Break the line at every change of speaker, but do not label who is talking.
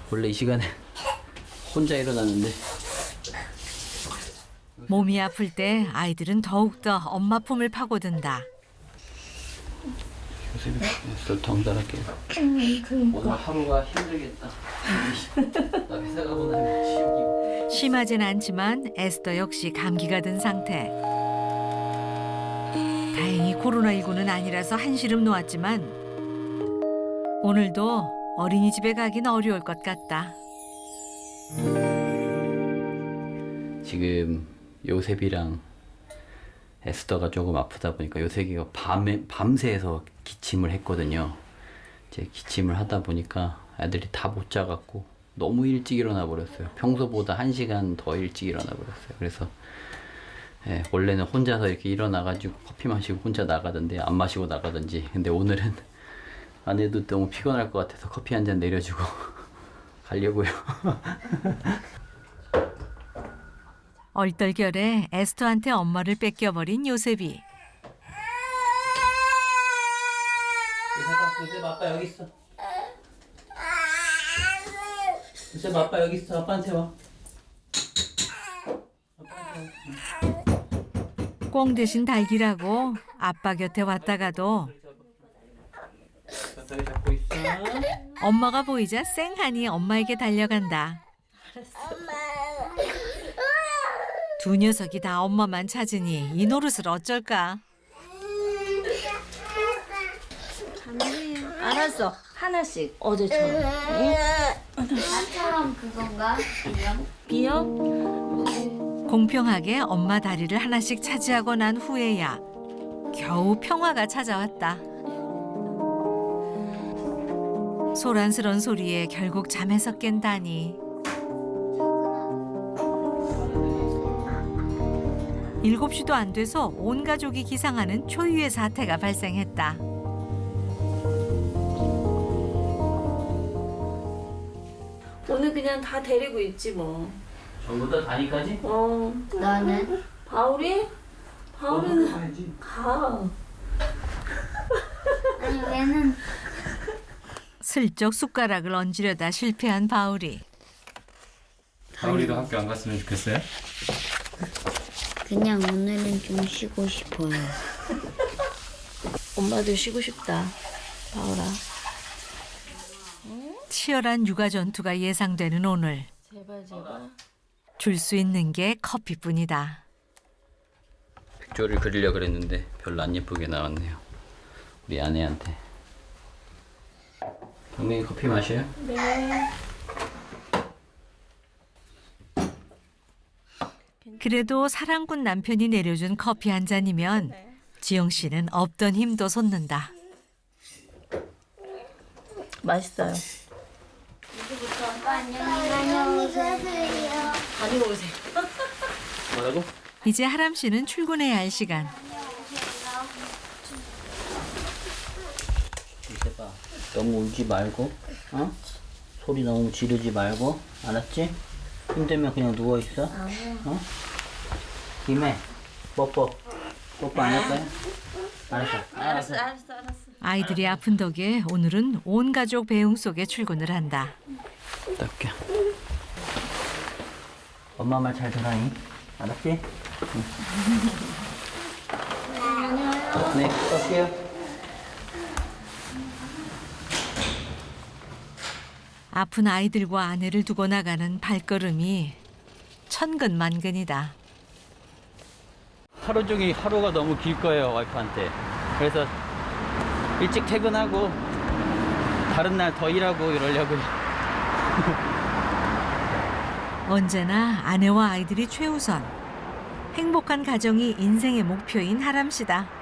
원래 이 시간에 혼자 일어나는데.
몸이 아플 때 아이들은 더욱더 엄마 품을 파고든다.
요새 술 덩달아게. 오늘 하루가 힘들겠다. 나 회사 가고 나면 지옥이고.
심하진 않지만 에스더 역시 감기가 든 상태. 다행히 코로나19는 아니라서 한시름 놓았지만 오늘도 어린이집에 가긴 어려울 것 같다.
지금 요셉이랑 에스더가 조금 아프다 보니까 요셉이가 밤새서 기침을 했거든요. 이제 기침을 하다 보니까 애들이 다 못 자갖고 너무 일찍 일어나 버렸어요. 평소보다 1시간 더 일찍 일어나 버렸어요. 그래서 원래는 혼자서 이렇게 일어나가지고 커피 마시고 혼자 나가던데 안 마시고 나가던지. 근데 오늘은 아내도 너무 피곤할 것 같아서 커피 한 잔 내려주고 가려고요.
얼떨결에 에스더한테 엄마를 뺏겨버린 요셉이.
요셉 아빠 여기 있어. 요셉 아빠 여기 있어. 아빠한테 와.
꽁 대신 달기라고 아빠 곁에 왔다가도
여기 잡고 있어.
엄마가 보이자 쌩하니 엄마에게 달려간다. 두 녀석이 다 엄마만 찾으니 이 노릇을 어쩔까?
알았어. 하나씩 어제처럼. 응?
나처럼 그건가?
비염?
공평하게 엄마 다리를 하나씩 차지하고 난 후에야 겨우 평화가 찾아왔다. 소란스런 소리에 결국 잠에서 깬다니. 7시도 안 돼서 온 가족이 기상하는 초유의 사태가 발생했다.
오늘 그냥 다 데리고 있지 뭐.
전부 다 다니까지?
너는?
바울이? 바울이는 가.
아니 얘는
슬쩍 숟가락을 얹으려다 실패한 바울이.
바울이도 학교 안 갔으면 좋겠어요?
그냥 오늘은 좀 쉬고 싶어요.
엄마도 쉬고 싶다. 바울아.
치열한 육아 전투가 예상되는 오늘.
제발 제발.
줄 수 있는 게 커피뿐이다.
백조를 그리려 그랬는데 별로 안 예쁘게 나왔네요. 우리 아내한테. 경민이 커피 마셔요?
그래도 사랑꾼 남편이 내려준 커피 한 잔이면 지영 씨는 없던 힘도 솟는다.
맛있어요.
안녕히 가세요.
다녀오세요.
뭐라고?
이제 하람 씨는 출근해야 할 시간.
이세봐. 너무 울지 말고, 어? 소리 너무 지르지 말고, 알았지? 힘들면 그냥 누워 있어. 어? 김에 뽀뽀 안 할 거야? 알았어.
알았어.
아이들이 아픈 덕에 오늘은 온 가족 배웅 속에 출근을 한다.
닦게. 엄마 말 잘 들어니? 알았지? 응. 네, 갈게요.
아픈 아이들과 아내를 두고 나가는 발걸음이 천근만근이다.
하루 종일 하루가 너무 길 거예요, 와이프한테. 그래서 일찍 퇴근하고 다른 날 더 일하고 이러려고요.
언제나 아내와 아이들이 최우선. 행복한 가정이 인생의 목표인 하람 씨다.